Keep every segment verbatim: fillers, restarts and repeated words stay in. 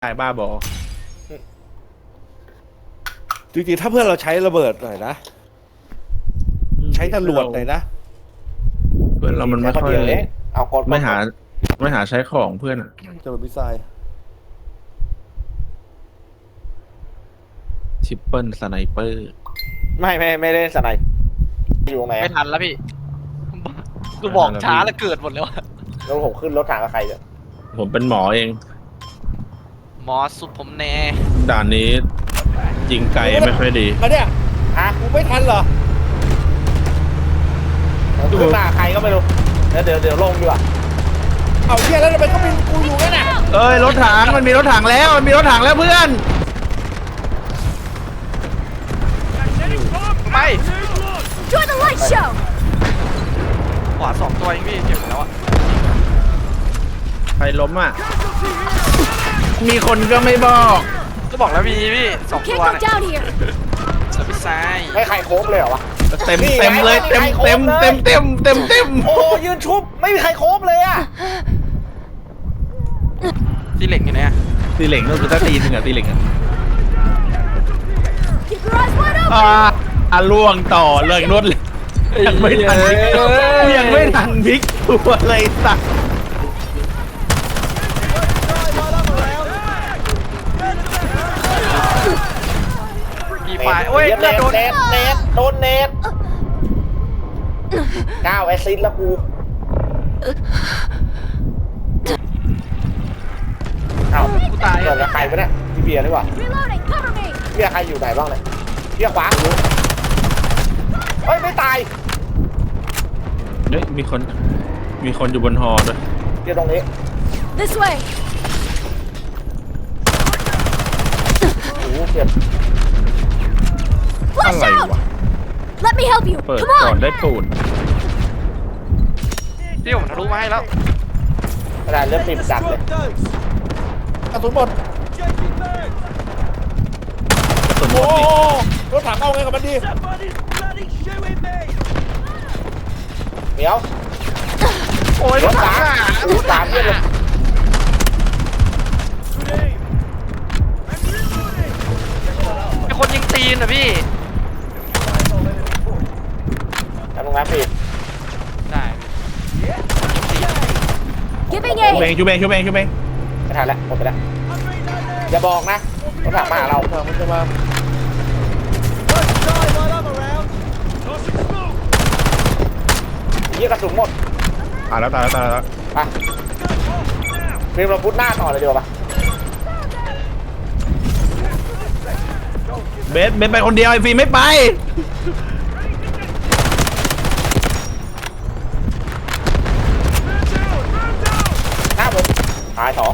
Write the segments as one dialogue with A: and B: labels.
A: ตายบ้าบอ
B: จริงๆถ้าเพื่อนเราใช้ระเบิดหน่อยนะใช้ตำรวจหน่อยนะ
A: เพื่อนเรามันไม่ค่อย
C: เอากด
A: ไม่หาไม่หาใช้ของเพื่อนอะ
B: จะเป็นมิสไซล์
A: ชิปเปิลสไนเปอร์
C: ไม่ไม่ไม่เล่นสไนป์อยู่ตรงไหน
D: ไม่ทันแล้วพี่กูบอกช้าแล้วเกิดหมดแล้วอะ
C: แล้วผมขึ้นรถถังกับใครเนี่ย
A: ผมเป็นหมอเอง
D: หมอสุดผมแน่
A: ด่านนี้ยิงไกลไม่ค่อยดี
B: มาเนี่ย
C: ฮะ
B: กูไม่ทันเหรอ
C: ผมขึ้นมาใครก็ไม่รู้เดี๋ยวเดี๋ยวเดี๋ยวลงดีกว่า
B: เอาเที่ยแล้วทำไมเขาเป็นกูอยู่นั่นน่ะ
A: เอ้ยรถถังมันมีรถถังแล้วมันมีรถถังแล้วเพื่อน
D: ไป
E: Join the light show!
D: ขวาสองตัวเองพี่เจ็บหมดแล้วอะ
A: ใครล้มอ่ะมีคนก็ไม่บอก
D: ก็บอกแล้วมีพี่สอง
E: Can't
D: ตัว
E: go
D: เนี่ย
E: down here!
D: เสือพิซซ่าย
C: ไม่ใครโค้งเลยเหรอวะ
A: เต็มเต็มเลยเต็มเต็มเต็มเต็มเต็มเต็ม
C: โอ้ยืนชุบไม่มีใครโค้งเลยอ่ะ
D: ที่เหล็กอยู่เนี่ย
A: ตีเหล็งก็คือถ้าตีหนึ่งอะตีเหล็งอะ
E: Keep your eyes wide
A: อ่า
E: open!
A: อ่ะล่วงต่อเลยรถเลยยังไม่ทันพลิกยังไม่ทันพลิกตัวเลยสัก
D: กี่ฝ่ายโอ้ย
C: เน
D: เลือด
C: ต
D: โดน
C: เนตเนตโดนเนตเก้าแอสซิสต์แล้วกูเอ้า
D: กูตาย
C: เกิดกับใครวะเนี่ยพี่เบียร์ดีกว่า
E: Reloading! Cover me!
C: เบียร์ใครอยู่ไหนบ้างเนี่ยเบียร์ขวาอยู่เฮ้ยไม่ตาย
A: เฮ้ยมีคนมีคนอยู่บนฮอด้วย
C: เบียร์ตรงนี้
E: This way!
C: โอ้โหเจ็บ
E: Flash
A: อะไร
E: out!
A: วะ
E: Let me help you!
A: เปิด
E: Come
A: ก่อน
E: on!
A: ได้ปูน
D: ที่ผมทะลุมาให้แล้ว
C: กระดาษเลือดติดจัดเลย
B: กระสุนหมด
A: สมม
B: โอ้
A: ตินี่
B: รถถังเอาไงกับมันดี
C: เดี๋ยว
D: โอ้ย
C: รถสามรถสามเพื่อนเลย
D: ไอคนยิงตีนอะพี่
C: ทำตรงนั้นพี่
D: ได้
E: Giving
A: ชูเบง
E: aid!
A: ชูเบงชูเบงชูเบง
C: ไม่ทันแล้วหมดไปแล้วอย่าบอกนะรถถังมาหาเรา
B: รถถังมันจะมา
C: ยี่กระสุนหมด
A: ตายแล้วตายแล้วตายแล้ว
C: ไปฟิล์มเราพุทหน้าต่อเลยดีกว่าปะ
A: เบสเบสไปคนเดียวไอ้ฟีไม่ไป
C: หน้าผมตายสอง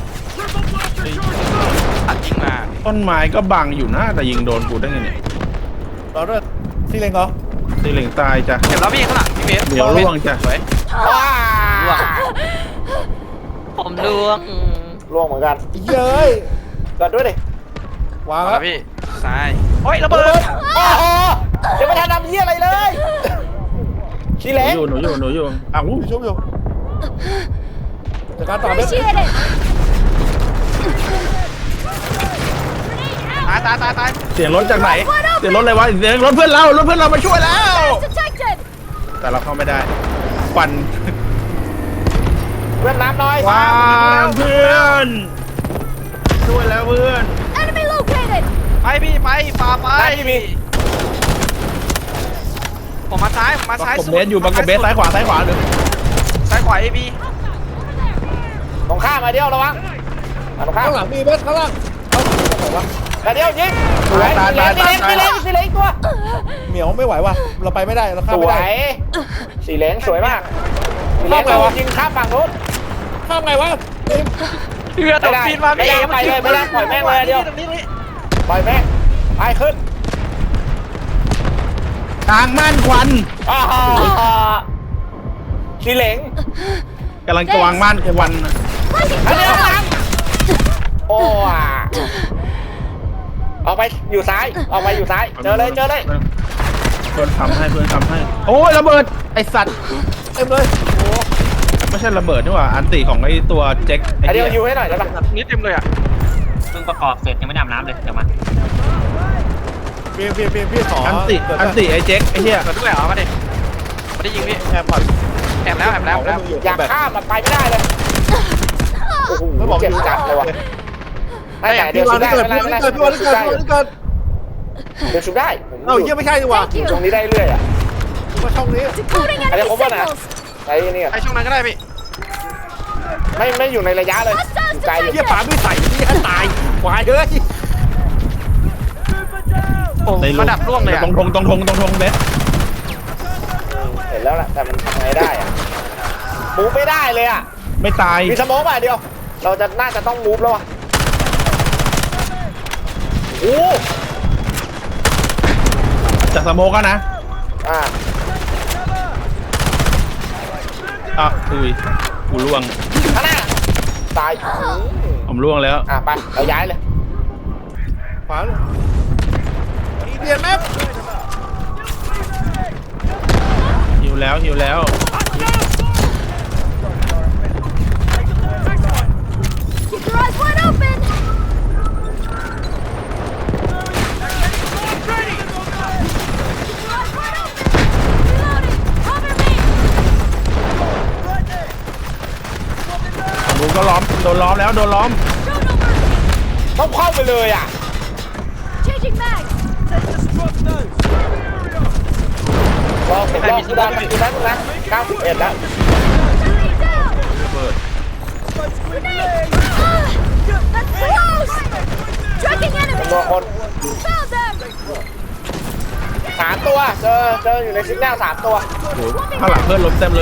D: อัดยิงมา
A: ต้นไม้ก็บังอยู่นะแต่ยิงโดนกูได้ไงเนี่ย
B: เราด้วยซีเลงเหรอ
A: ตีเหล็งตายจ้ะ
D: เจ็บแล้วพี่ข้างหลังพี่เบส
A: เดี๋ยวล่วงจ้ะ
D: สวย
C: ว้า
D: ล่วงผมล่วง
C: ล่วงเหมือนกัน
B: เย้ย
C: เกิดด้วยดิ
B: วาง
D: เอา
B: แล้
D: ละ
B: ว
D: พี่ซ้ายโอ้ยระเบิด
C: โอ้โหเดี๋ยวไม่ทันทำเยี่ยอะไรเลยชี
A: ห
C: เล็ก
A: นูอยู่หนูอยู่หนูอยู่อ้าว
B: อยู่ชุบอยู่จัดการต่อเบส
E: Appreciate it!
D: ตายตายตายตาย
A: เสียงรถจากไหนเสียงรถอะไรวะเสียงรถเพื่อนเรารถเพื่อนเรามาช่วยแล้ว
E: Detected!
A: แต่เราเข้าไม่ได้ควัน
C: เพื่อนน้ำน้อย
A: ควันเพื่อนช่วยแล้วเพื่อน
E: Enemy located!
D: ไปพี่ไปฝ่าไป
C: ได้พี่มี
D: ผมมาซ้ายผมมา
A: ประ
D: ซ้าย
A: กบ
D: สุด
A: เบสอยู่ประกบเบสซ้ายขวาซ้ายขวาเลย
D: ซ้ายขวาเอบี
C: ตรงข้ามมาเดียวระวังมาตรงข้าม
B: ข้างหลังมีเบสข้างล่างเอาตรงไหนวะ
C: มาเดียวยิงสวย
A: ตายตาย
C: สี
A: ตาย
C: เล้งสีเล้งสีเล้งตัว
B: เหมียวไม่ไหวว่ะเราไปไม่ได้เราข้า
C: ส
B: มไม่
C: ว
B: ได้
C: ยสีเล้งสวยมากสีเล้ง
B: ข้ามไงวะ
C: ยิงข้ามฝั่งนู้น
B: ข้ามไงวะทีม
D: พี่เบสตกปีนมา
C: ไม่
D: พี่
C: ได้ไปเลยไม่ได้ปล่อยแม่งเลยเดียว
D: ตรงนี้ตรงนี้
C: ปล่อยแม่งไปขึ้น
A: ทางม่านควัน
C: อ้าวสีเหลง
A: กำลังจะวางม่านควัน
C: อันเดียวกันโอ้อะออกไปอยู่ซ้ายออกไปอยู่ซ้ายเจอเลยเจอเลย
A: เพื่อนทำให้เพื่อนทำให้โอ้ยระเบิดไอสัตว์
B: เต็มเลยโอ้
A: ไม่ใช่ระเบิดนี่หว่าอันติของไอตัวเจ็คไอ
C: อันเดี
A: เดี
C: ยวย อยู่ให้หน่อยได้ปะ
D: นี่เต็มเลยอ่ะ
F: พิ่งประกอบเสร็จยังไม่ได้อาบน้ำเลยเดี๋ยวมา
B: พี่พี่พี่พี่ขอ
A: อันติอันติไอ้เจ๊กไอ้เหี้ย
D: เกิดด้วยเหรอมาดิไม่ได้ยิงพี่
B: แอบผ่อน
D: แอบแล้วแอบแล้วแอบแล้ว
C: อยากข้ามมันไปไม่ได้เลยโอ้โห
B: ไม่บอก
C: เจ็บ
B: อยู่
C: จัดเลยว่ะไม่แต่เดี๋ยว
B: พี่
C: ชุ
B: วาง
C: บได้
B: ที่เกิด
C: ไม่
B: พี่
C: เป็น
B: วาง
C: ไร
B: ที่
C: ไม่
B: เกิด
C: เป็นไร
B: พี่วางที่เกิดพี่วางที่เกิด
C: เดี๋ยวชุบได้ผม
B: เอ้าเยี่ยไม่ใช่ดีกว่า
C: อยู่ตรงนี้ได้เรื่อยอ่ะ
B: ว่าช่องนี้
E: Decoding
C: Ada
E: enemy
C: kau mana?
E: signals.
C: ไอ้นี่อะ
D: ไอช่วงนั้นก็ได้พี่
C: ไม่ไม่อยู่ในระยะเลยอยู่ไกลอยู่
B: เยี่ยป๋าไม่ใส่พี่ให้ตายควายเฮ้ย
D: โอ้
A: ใน
D: มาดับร่วงเลยอะ
A: ตรงทงตรงทงตรงทงเบส
C: เห็นแล้วแหละแต่มันทำไงได้อ่ะมูฟไม่ได้เลยอ่ะ
A: ไม่ตาย
C: มีสโมองป่ะเดียว เราจะน่าจะต้องมูฟแล้วอ่ะโอ้
A: จากสโมกก็นะ
C: อ่า
A: อ่ะอุ้ยกูล่วง
C: ข้างหน้าตาย
A: ผมล่วงแล้ว
C: อ่ะไปเราย้ายเลย
B: ขวาอีเดียนแมป
A: หิวแล้วหิวแล้ว
E: Keep your eyes wide open. Keep your eyes wide open. Reloading. Cover me.
A: ผมก็ล้อมโดนล้อมแล้วโดนล้อม
E: Show no mercy.
C: ต้องเข้าไปเลยอ่ะ
E: Changing mags.
C: รอผมรอคุณดันคุณดันนะเก้าสิบเอ็ดแล้ว
E: Enemy down.
A: เปิด
E: Grenade. Ah, that's close. Tracking
C: ผม
E: enemy.
C: รอคน
E: Found them.
C: สามตัวเจอเจออยู่ในซิกแนลสามตัว
A: โอ้โหข้างหลังเพื่อนล้มเต็มเลย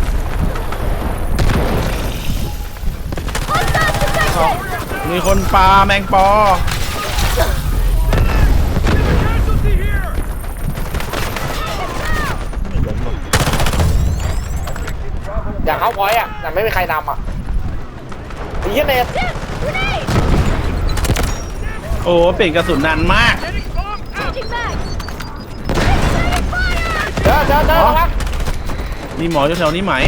E: Hostiles detected.
A: มีคนปลาแมงปอ
C: อยากเข้าพอยต์อ่ะแต่ไม่มีใครนำอ่ะไอ้เหี้ยเนต
E: Grenade.
A: โอ้เปลี่ยนกระสุนนานมาก
E: Changing mags. Taking fire.
C: เจอเจอเจอแล้ว
A: มีหมออยู่แถวนี้ไหม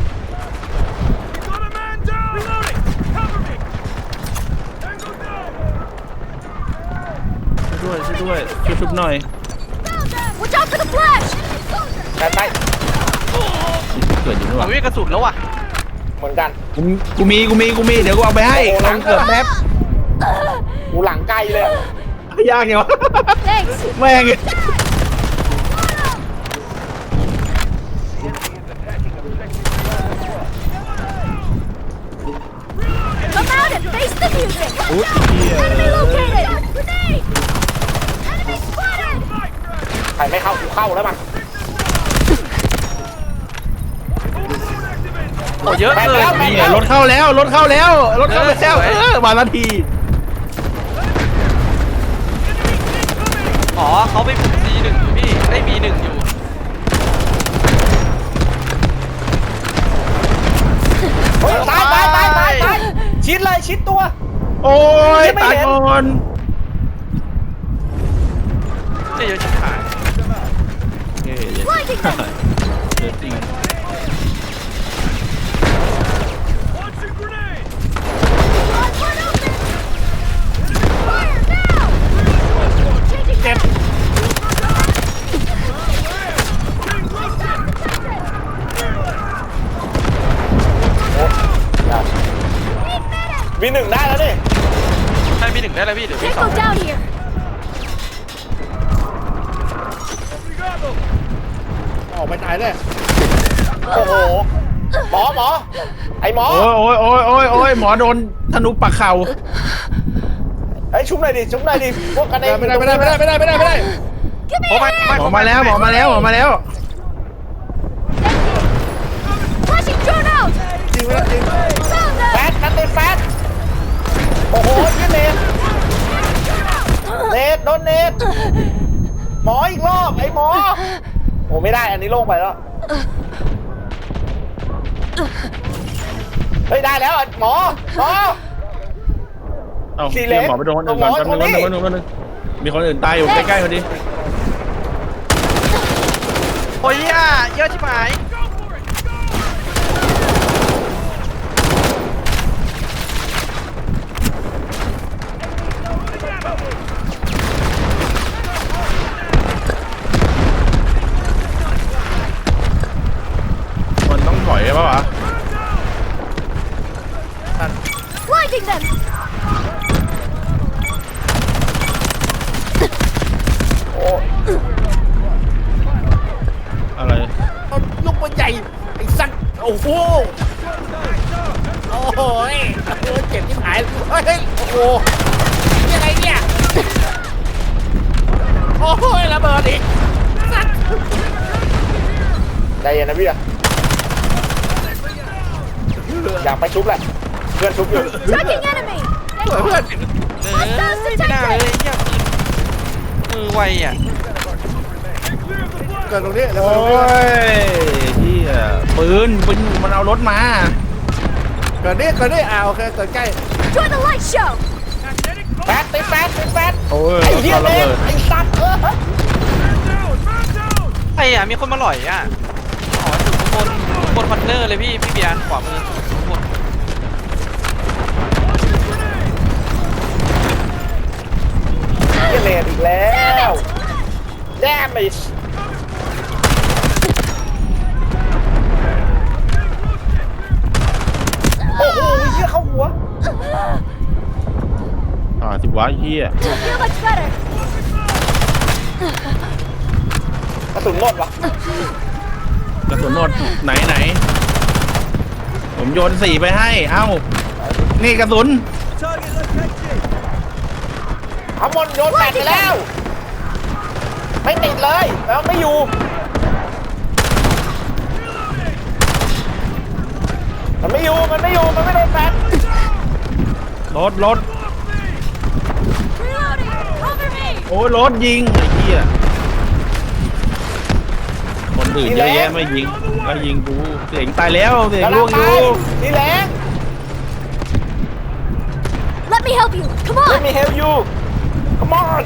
A: ช่วยด้วยช่วยด้วยช่วยชุบหน่อย
E: Found them. Watch out for the flash.
C: แต่ไป
A: เกิดอยู่นี่ห
D: ผม
A: ว่า
D: ไม่มีกระสุนแล้วว่ะ
C: เหมือนกัน
A: กูกูมีกูมีกูมีเดี๋ยวกูเอาไปให้
C: โอ้โห
A: ลองเกิดแป๊บ
C: กูหลังไกลเลยอะ
A: ยากไงวะ
E: Thanks.
A: แม่ง
E: Come out and face the music.
A: อุ๊ยเหี้ย
E: Enemy located. Grenade. Enemy spotted.
C: ใครไม่เข้ากูเข้าแล้วมั้ง
D: โอ้เยอะ
C: แม่ง
D: เลย
C: แล้วแม่ง
A: นี่รถเข้าแล้วรถเข้าแล้วรถเข้าแล้ว
D: เออสวย
A: เออมานาที
D: อ๋อเขาไปฝึก ซี หนึ่ง อยู่พี่ได้ บี หนึ่ง อยู่
C: เฮ้ยตายตายตายตายตายชิดเลยชิดตัว
A: โอ้ย
C: ยังไม่
A: ตาย
C: เห็น
A: ก่อน
D: เนี่ยเยอะชิบหาย
A: เฮ้ยเดี๋ยวเดี๋ยวจริง
E: Eyes wide open. Fire now. Changing mags.
C: วีหนึ่งได้แล้วนี่
D: ใช่ บี หนึ่ง ได้แล้วพี่เดี๋ยวพี่สอง
E: Tango down here.
B: ออกไปตายเลย
C: โอ้โหหมอหมอไอหมอ
A: โอ้ยโอ้ยโอ้ยโอ้ยโอ้ยหมอโดนธนูปักเข่า
C: ไอยชุบหน่อยดิชุบหน่อยดิพวกกันเอง
B: ไม่ได้ไม่ได้ไม่ได้ไม่ได้ไม่ได้ไม่ได้
E: Give me
D: โอ้
E: a
D: ไม่
E: hand.
A: หมอมาแล้วหมอมาแล้วหมอมาแล้ว
E: Flashing drone out.
B: จริงไม่ได้จริง
E: Found
C: แฟ
E: them.
C: ดกันเต็มแฟดโอ้โหยี่เนตเนตโดนเนตหมออีกรอบไอหมอโอ้ไม่ได้อันนี้โล่งไปแล้วเฮ้ยได้แล้วอ่ะหมอหมอ
A: เอ้า
C: ขี่
A: เดี๋
C: เล็
A: ยว
C: ก
A: หมอไปโดนคนอื่นก่อน
C: หมอ
A: แป๊บนึง
C: คนนี้
A: แป๊บนึงแป๊บนึงมีคนอื่นตายอยู่ใกล้ๆพอดี
D: โอ้ยอ่ะเยอะชิบหาย
A: โ
B: อีก
C: ใจเย็นนะพี่อะอยากไปชุบแหละเพื่อนชุบอยู่
E: Tracking enemy!
B: เพื่อนเพื่อน
D: เออไม่น่าเลยเหี้ยมือไวอ่ะ
B: เกิดตรงนี้แล้ว
A: โอ้
B: ตรงนี้
A: ยเฮียปืนปืนมันเอารถมา
B: เกิดนี่เกิดนี่อ่าโอเคเกิดใกล้
E: Join the light show!
C: แปดติดแปดติดแปด
A: โอ้ย
C: ไอ้เหี้ย
A: รถ
C: เล
A: ระ
C: ย
A: เบิด
C: ไอ้สัตว์เออ
D: ไอ้อะมีคนมาหล่อยอ่ะอ๋ออยู่ข้างบนบนคอนเทนเนอร์เลยพี่พี่เบียร์ขวามือข้างบน
C: เหี้ยเลนอีกแล้วแย่ไปโอ้โหเหี้ยเข้าหัว
A: อ่าสิวะเฮีย
E: Feel much better!
C: กระสุนหมดวะ
A: กระสุนหมดไหนไหนผมโยนสี่ไปให้ เอ้า นี่กระสุน
C: เอาหมดโยนแปดไปแล้ว ไม่ติดเลยแล้วไม่อยู่มันไม่อยู่มันไม่อยู่มันไม่โดนแปด
A: รถรถ
E: Reloading! Cover me!
A: โอ้ยรถยิงไอ้เหี้ยคนอื่นเยอะแยะไม่ยิงก็ยิงกูเสียงตายแล้วเสียง
C: กำลั
A: ล่ว
C: ง
A: ง
C: ไป
A: อยู่
C: นี่แรง
E: Let me help you! Come
C: ไม่
E: on!
C: มีเฮลยูขมอน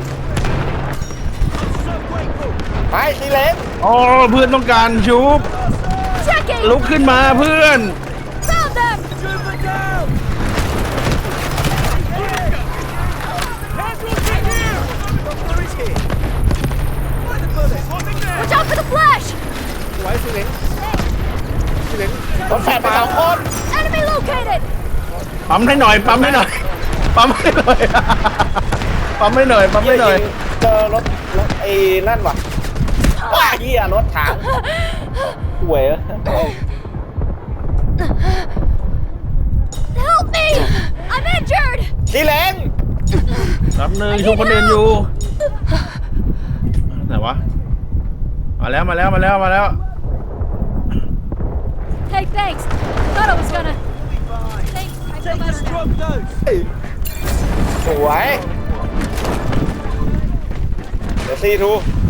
C: ไปสีเหลง
A: อ๋อเพื่อนต้องการชุบ
E: Tracking!
A: ลุกขึ้นมาเพื่อน
E: Found them! Watch out for the flash!
B: ไว้สิเล้งสิเล้ง
C: รถแปดไปสองคน
E: Enemy located!
A: ปั๊มให้หน่อยปั๊มให้หน่อยปั๊มให้หน่อย ปั๊มให้หน่อยปั๊มให้หน่อย
C: เจอรถรถไอ้นั่นว่ะว้าเหี้ยรถถังห่วย
E: Help me! I'm injured!
C: สีเหลง
A: รับหนึ่งชุบคนอื่นอยู่ไหนวะมาแล้วมาแล้วมาแล้วมาแล้ว
E: Hey, thanks. Thought I was gonna. Thanks. I feel better now.
C: สวยเดี๋ยวซีทู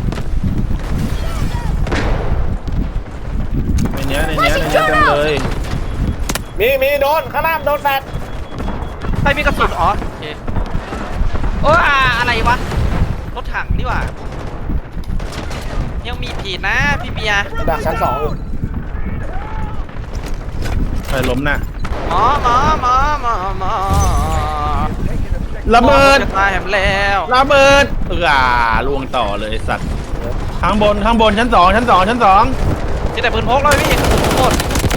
A: ในเนี้ยในเนี้ยในเนี้ยเต็มเลย
C: มีมีโดนข้างหน้าโดนแปด
D: ใครมีกระสุนอ๋อโอเคโอ้อาอะไรวะรถถังนี่หว่ายังมีผีนะพี่เบียร์
C: ดักชั้นสองอยู่
A: ใครล้มน่ะ
D: หมอหมอหมอหมอหมอ
A: ระเบิด
D: จะตายแหมแล้ว
A: ระเบิดเออล่วงต่อเลยสัตว์ข้างบนข้างบนชั้นสองชั้นสองชั้นสอง
D: จะแต่ปืนพกแล้วพี่กระสุนหมด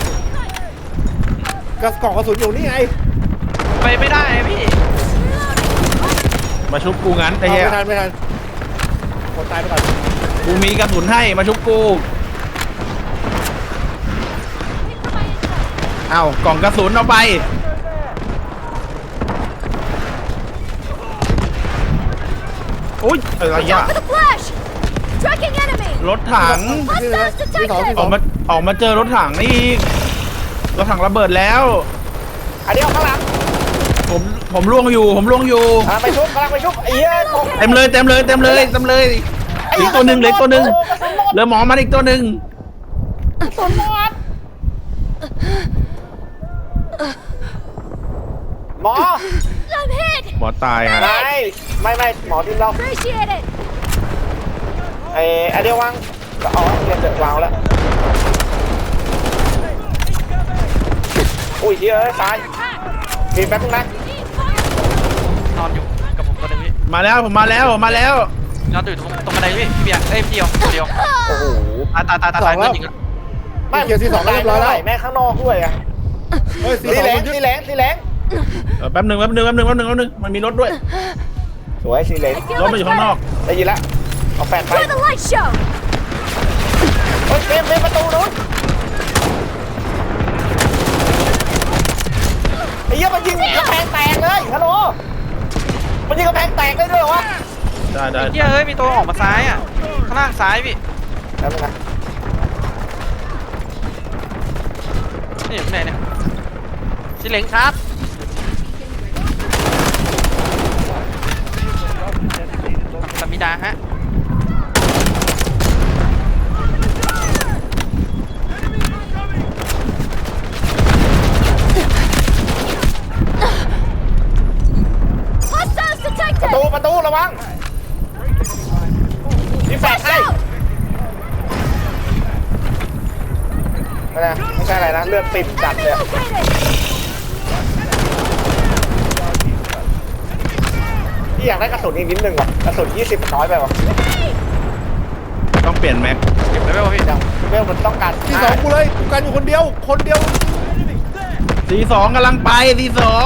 B: กระกล่องกระสุนอยู่นี่ไง
D: ไปไม่ได้พี่
A: มาชุบกูงั้นไอ้
B: เอา
A: เหี้ย
B: ไม่ทันไม่ทันคนตายไปก่อน
A: กูมีกระสุนให้มาชุบกูเอ้ากล่องกระสุนเอาไปอุ้ยอะไร
E: Watch
A: อ่ะ
E: out for the flash! Tracking enemy!
A: รถถัง
E: Hostiles
B: ที่สองที่
E: detected!
B: ส
A: อ
B: อ
A: อง กมาออกมาเจอรถถังนี่อีกรถถังระเบิดแล้ว
C: อันนี้เอาข้างหลัง
A: ผมผมล่วงอยู่ผมล่วงอยู่
C: อ่ะไปชุบกำลังไปชุบไอ้เหี้ยตก
A: เต็มเลยเต็มเลยเต็มเลยเต็มเลยอีกตัวหนึ่งเหลยตัวหนึ่งเหลือหมอมันอีกตัวหนึ่ง
C: กระสุนหมดหมอ
E: I'm hit!
A: หมอตายฮะ
C: ไม่ไม่ไม่หมอทีมเรา
E: Appreciate it!
C: ไอ้ไอเดียววางก็เอาเรียนเสร็จวางแล้วอุ้ยเหี้ยเอ้ยตายมีแป๊บนึงนะ
D: นอนอยู่กับผมตัวหนึงพี่
A: มาแล้วผมมาแล้วผมมาแล้ว
D: นอนอยู่ตรงตรงบันไดพี่พี่เบียร์เอ้ยพี่เดียวตัวเดียว
C: โอ้โห
D: ตายตายตายตายตายเพื่อนยิงอะ
C: ไม่
B: เกียร์ที่สองเรียบร้อยแล้ว
C: แม่ข้างนอกด้วยอ่ะ
B: เฮ้ยสี
C: สี
B: สอง
C: แหลง
B: มันยึด
C: สีแหลงสีแหลง
A: เออแป๊บหนึ่งแป๊บหนึ่งแป๊บหนึ่งแป๊บหนึ่งแป๊บหนึ่งมันมีรถด้วย
C: สวยสีแหลง
E: I feel
A: รถมันอ
E: much
A: ยู่ข้างนอก
E: better!
C: ได้ยินแล้วเอาแปดไป
E: Join the light show!
C: เฮ้ยเต็มเต็มประตูนู้นไอ้เหี้ยมันยิงกระแพงแตกเลยฮัลโหลมันยิงกระแพงแตกได้ด้วยเหรอวะ
A: ได้ได้
D: เฮียเอ้ยมีตัวออกมาซ้ายอ่ะางล่างซ้ายพี่
C: แล้วมึงนะ
D: นี่อยู่ไหนเนี่ยสิเหลงครับสมิดาฮะ
E: Hostiles
C: ประ
E: detected!
C: ตูประตูระวังมีแฟลช
E: Watch
C: ให้
E: out!
C: ไม่นะไม่ใช่อะไรนะเลือดติดจัด
E: Enemy
C: เลย
E: located!
C: พี่อยากได้กระสุนอีกนิดนึงว่ะกระสุนยี่สิบน้อยไปว่ะ
A: ต้องเปลี่ยนแม็ก
D: เก็บไว้ไหมวะพี่
C: ยังเวลมันต้องการ
B: ที่สองกูเลยกูกันอยู่คนเดียว คนเดียว
A: สีสองกำลังไปสีสอง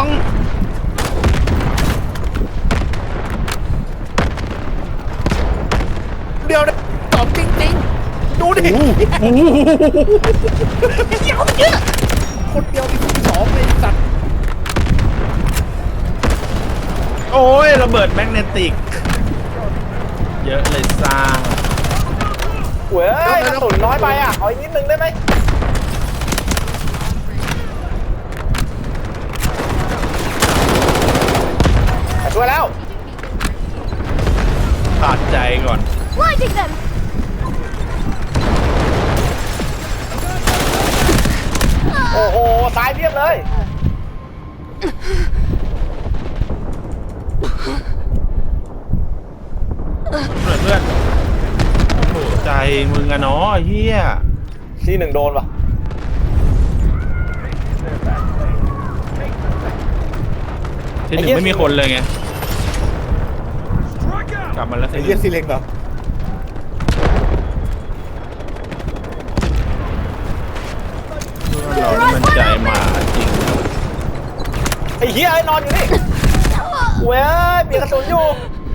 B: เดียวเนี่ยตอบจริงๆ ดูดิ
A: โอ้โห
B: คนเดียวมีที่สองเลยสัตว์
A: โอ้ยระเบิดแมกเนติก เยอะเลยซ่า
C: เว้ยกระสุนน้อยไปอ่ะเอาอีกนิดนึงได้ไหมมาช่วยแล้ว
A: ขาดใจก่อน
E: Blinding them!
C: โอ้โหตายเรียบเลย
A: เพื่อนเพื่อนโอ้โหใจมึงอะเนาะไอ้เฮีย
C: ที่หนึ่งโดนว่ะ
A: ที่หนึ่งไม่มีคนเลยไง กลับมาแล้ว
B: ไอ้
A: ที่ห
B: เหี้ย
A: นึ่ง
B: ซีเล็งเหรอ
A: เรานี่มันใจหมาจริง
C: ไอ้เหี้ยไอ้นอนอยู่นี่เว้ยมีกระสุนอยู่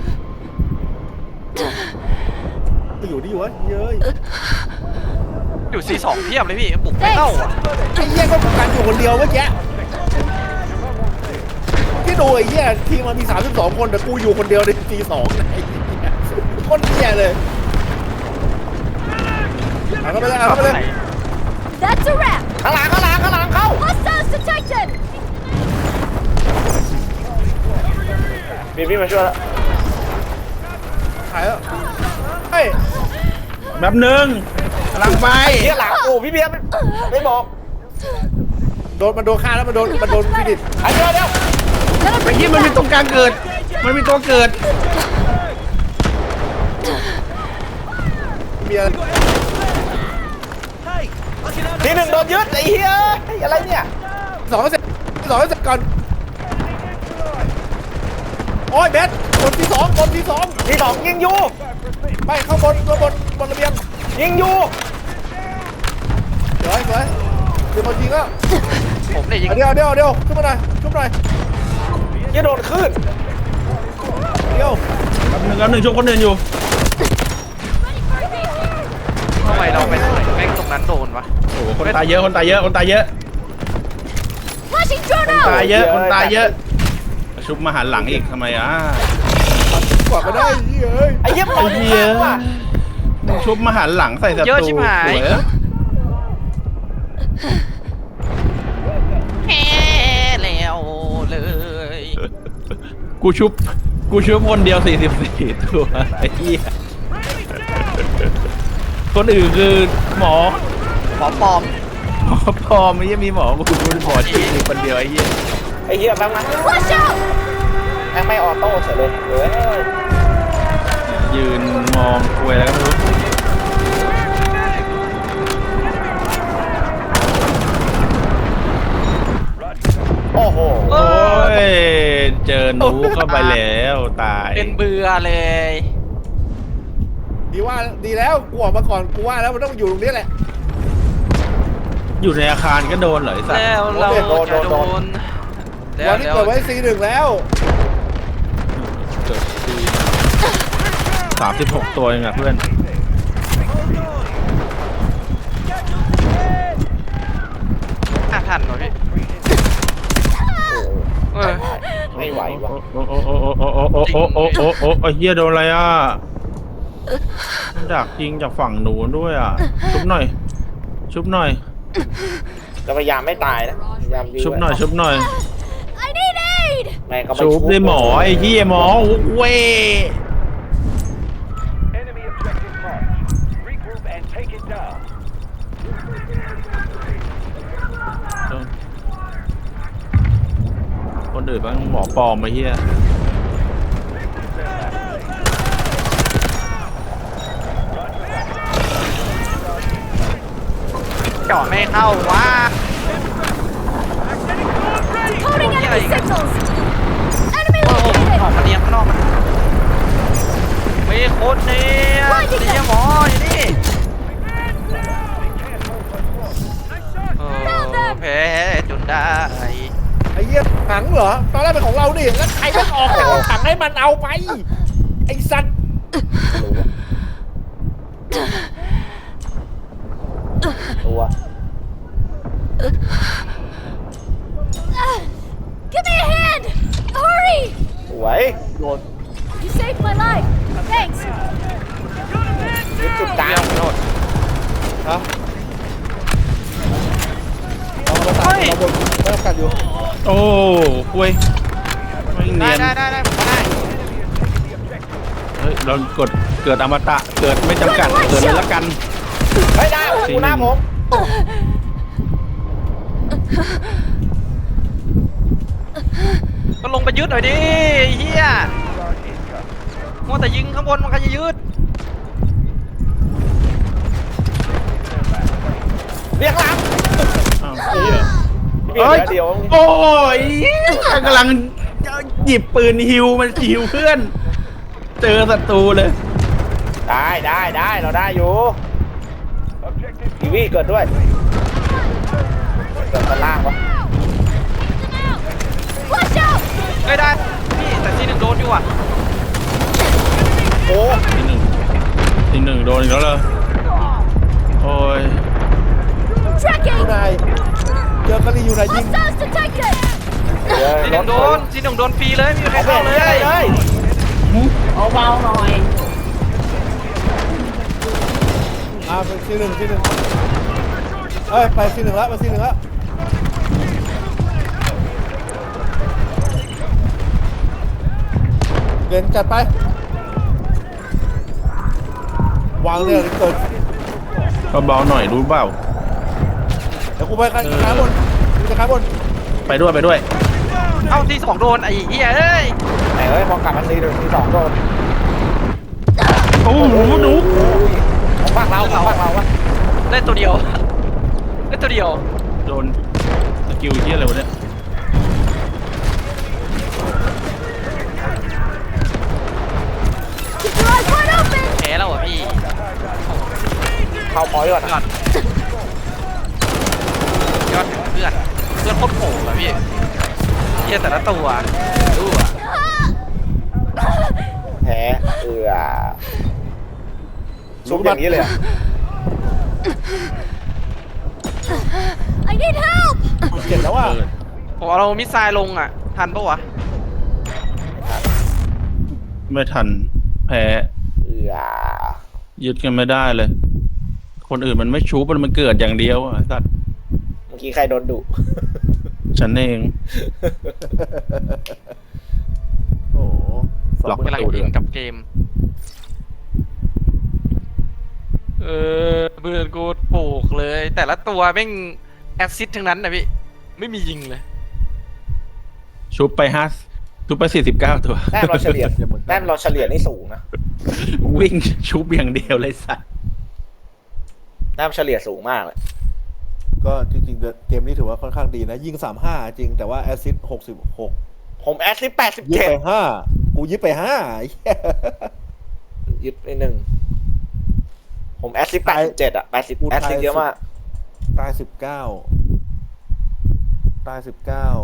B: ไปอยู่ที่อยู่วะเย้ย
D: อยู่ซีสองเทียบเลยพี่บุกไม่เข้าอ่ะ
B: ไอ้เหี้ยก็กันอยู่คนเดียวเมื่อกี้ที่ดูไอ้เหี้ยทีมมันมีสามสิบสองคนแต่กูอยู่คนเดียวในทีสองไอ้เหี้ยคนเหี้ยเลยเอาเข้าไปเลยเอาเข้าไปเลย
E: That's a wrap!
C: ข้างหลังข้างหลังข้างหลังเข้า
E: Hostiles detected!
C: พี่พี่มาช่วยแล้ว
B: ถ่ายแล้วเฮ้ย
A: แบบหนึ่งกำลังไป
C: เหี้ยหลังโอ้พี่เบียร์ไม่ไม่บอก
B: โดนมันโดนฆ่าแล้วมันโดนมันโดนฟินิช
C: ไอ้เดี๋ยวเดี๋ยว
A: ไอ้ที่มันมีตรงกลางเกิด มันมีตัวเกิด
B: มีอะไร
C: ทีหนึ่งโดนยึดไอ้เหี้ยไอ้อะไรเนี่ย
B: สองเสร็จสองเสร็จก่อนโอ้ยเบสบนที่สองบนที่สอง
C: ทีสองยิงอยู่
B: ไปข้างบนข้างบนบนระเบียง
C: ยิงอยู่
B: สวยสวยเดี๋ยวมันยิงแล้ว
D: ผมเนี่ยยิง
B: เดี๋ยวเดี๋ยวเดี๋ยวขึ้นมาหน่อยขึ้นมาหน่อย
C: ยิงโดนขึ้น
B: เดี๋ยว
A: แบบหนึ่งแบบหนึ่งช่วยคนอื่นอยู่
D: ทำไมเราไปแม่งตรงนั้นโดนวะ
A: โอ้โหคนตายเยอะ คนตายเยอะ คนตายเยอะ
E: Flashing drone
A: คนตาย
E: out!
A: เยอะ คนตายเยอะ ชุบมาหันหลังอีกทำไมอ่ะ
B: กว่ามาได้เฮ้ย
C: ไอ้เหี้ยมัน
A: ไอ้เหี้ย
C: ว่ะ
A: มึงชุบมาหันหลังใส่ศัตรู
D: เยอะชิบหาย
A: สวยอะ
D: แฮ่แล้วเลย
A: กูชุบ กูชุบคนเดียวสี่สิบสี่ตัวไอ้เหี้ยคนอื่นคือหมอ
D: หมอปลอม
A: หมอพอไม่ยังมีหมอกูเป็นหมอจริงคนเดียวไอ้เหี้ย
C: ไอ้เหี้ยแป๊บนะ
E: Watch out!
C: แม่งไม่ออโต้เฉยเลยเฮ้ย
A: ยืนมองคุยแล้วก็ไม่รู้
C: โอ้โห
D: เอ
A: โอ้
D: อย
A: เจอหนูเข้าไปแล้วตาย
D: เป็นเบื่อเลย
B: ดีว่าดีแล้วกูออกมาก่อนกูว่าแล้วมันต้องอยู่ตรงนี้แหละ
A: อยู่ในอาคารก็โดนเหรอไอ้สัตว์
D: แล้วเราจะโดนแล้
B: วั
D: วน
B: นี้
D: แล้ว
B: เปิดไว้ซีหนึ่งแล้ว
A: เกิดทีสามสิบหกตัวเองอะเพื่อน
D: ห้าพันเหรอพี่เออ
C: ไม่ไหวว่ะ
A: โอ้โอ้โอ้โอ้โอ้โอ้โอ้โอ้โอ้โอ้โอ้เฮียโดนอะไรอ่ะดักยิงจากฝั่งหนูนด้วยอ่ะ ชุบหน่อย ชุบหน่อย
C: จะพยายามไม่ตายนะพยายามยื้
A: ชุบหน่อย ชุบหน่อย
E: I need aid!
C: แม่งก็ไป
A: ชุบได้หมอไอ้เหี้ยหมอเว้ย
G: Enemy objective marked. Regroup and take it down.
A: คนอื่นบ้างหมอปลอมไอ้เหี้ย
D: เจาะไม่เข้าวะ
E: Coding
D: Yeah,
E: enemy
D: you-
E: signals! Enemy
D: โอ้โหอ
E: located!
D: อกมาเลี้ยงข้างนอกมันมีคนเนี่ยนี่หมออยู่นี่โอ้แพ้จนได้
B: ไอ้เหี้ยถังเหรอตอนแรกเป็นของเราดิแล้วใครไม่ออกจากถังให้มันเอาไปไอ้สัตว์
C: ตัว
E: Give me a hand! Hurry!
C: สวยโดน
E: You saved my life! Thanks!
C: ยึดจุดกลาง
D: โดด
B: ฮะเราเราตัดเราบนเราตัดอยู่
A: โอ้เว้ยไม่เนี
D: ได้
A: ยน
D: ได้ได้ได้ผมได้
A: เฮ้ย เรากดเกิดอมตะ เกิดไม่จำกัด เกิดเลยละกัน
C: เฮ้ยได้กูหน้าผม
D: ก็ลงไปยึดหน่อยดิเฮียมัวแต่ยิงข้างบนมันก็จะยืด
C: เรียกหลัง
A: อ้าวเหี้ย
C: เดี๋ยวเดี๋ยว
A: โอ้ยกำลังหยิบปืนฮิวมันฮิวเพื่อน เจอศัตรูเลย
C: ได้ได้ได้เราได้อยู่ทีวีเกิดด้วยเกิดกันล่างวะ
E: Watch out!
D: เอ้ยได้พี่แต่ทีหนึ่งโดนอยู่อ่ะ
C: โอ้
A: ทีหนึ่งทีหนึ่งโดนอีกแล้วเหรอโอ้ย
E: Tracking!
B: นายเจอกะลีอยู่ไหนยิง
E: Hostiles detected!
C: เดี๋ยว
D: ทีหนึ่งโดนทีหนึ่งโดนฟรีเลยไม่มีใคร
C: เอาเบ
D: เข้าร เล
C: เลย
D: ย
B: อ่าเป็นซีหนึ่งซีหนึ่งเอ้ยไปซีหนึ่งแล้วไปซีหนึ่งแล้วเดินจัดไปวางเนี่ยเกิด
A: เบาๆหน่อยรู้เปล่า
B: เดี๋ยวกูไปกันข้างบนกูจะข้างบน
A: ไปด้วยไปด้วย
D: เอ้าที่สองโดนไอ้เหี้ยเอ้ย
C: ไหนเอ้ยมองกลับมาซีหนึ่งซีสองโดน
A: โอ้โหหนู
C: ของภาคเราของภาคเราวะ
D: ได้ตัวเดียวได้ตัวเดียว
A: โดนสกิลเหี้ยอะไรวะเนี่ย
E: Keep your eyes wide open!
D: แพ้แล้วอ่ะพี่
C: เข้าพอยก่อน
D: ยอดยอดเพื่อนเพื่อนโคตรโหดอะพี่เหี้ยแต่ละตัวดูอ่ะ
C: แพ้เอือซุปอย่างนี้เลยอะ
E: I need help!
B: เจ็บแล้วอ่ะ
A: เปิด
D: ผมเอาเรามิสไซล์ลงอ่ะทันปะวะ
A: ไม่ทันแพ้
C: เอือ
A: ยึดกันไม่ได้เลย คนอื่นมันไม่ชูบมันเกิดอย่างเดียวอ่ะไอ้สัตว์
C: เมื่อกี้ใครโดนดุ
A: ฉันเอง
B: โอ้โห
A: หลอก
D: กำลังอินกับเกม เออเบื่อกูปลูกเลย แต่ละตัวแม่งแอซซิดทั้งนั้นนะพี่ ไม่มียิงเลย
A: ชุบไปห้าชุบไปสี่สิบเก้าตัว
C: แต้มเราเฉลี่ยแต้มเราเฉลี่ยนี่สูงนะ
A: วิ่งชุบอย่างเดียวเลยสัตว์
C: แต้มเฉลี่ยสูงมากเลย
B: ก็จริงๆเกมนี้ถือว่าค่อนข้างดีนะ ยิงสามห้าจริงแต่ว่าแอสซิสต์หกสิบหก
C: ผมแอสซิสแปดสิบ
B: ยิบ
C: เจ็ด
B: ไปห้ากูยิบไปห้าไอ้เหี้ย
C: ยึดไปหนึ่งผมแอสซิสแปดสิบเจ็ดอะแปดสิบแอสซิสเยอะมาก
B: ตายสิบเก้าตายสิบเก้า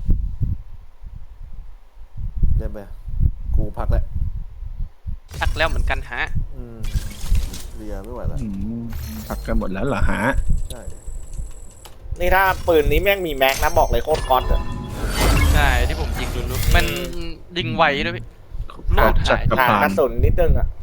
B: ได้ไหมกูพักแล้ว
D: พักแล้วเหมือนกันฮะ
B: อืมเรียไม่ไหวแล้ว
A: อืมพักกันหมดแล้วเหรอฮะ
B: ใช่
C: นี่ถ้าปืนนี้แม่งมีแม็กนะบอกเลยโคตรก๊อตอะ
D: ใช่ที่ผมยิงดูๆมันยิงไวด้วยพี่
A: โคตรจัดกระ
C: ห่าง
A: พาก
C: ระ
A: น
C: สุนนิดนึงอะ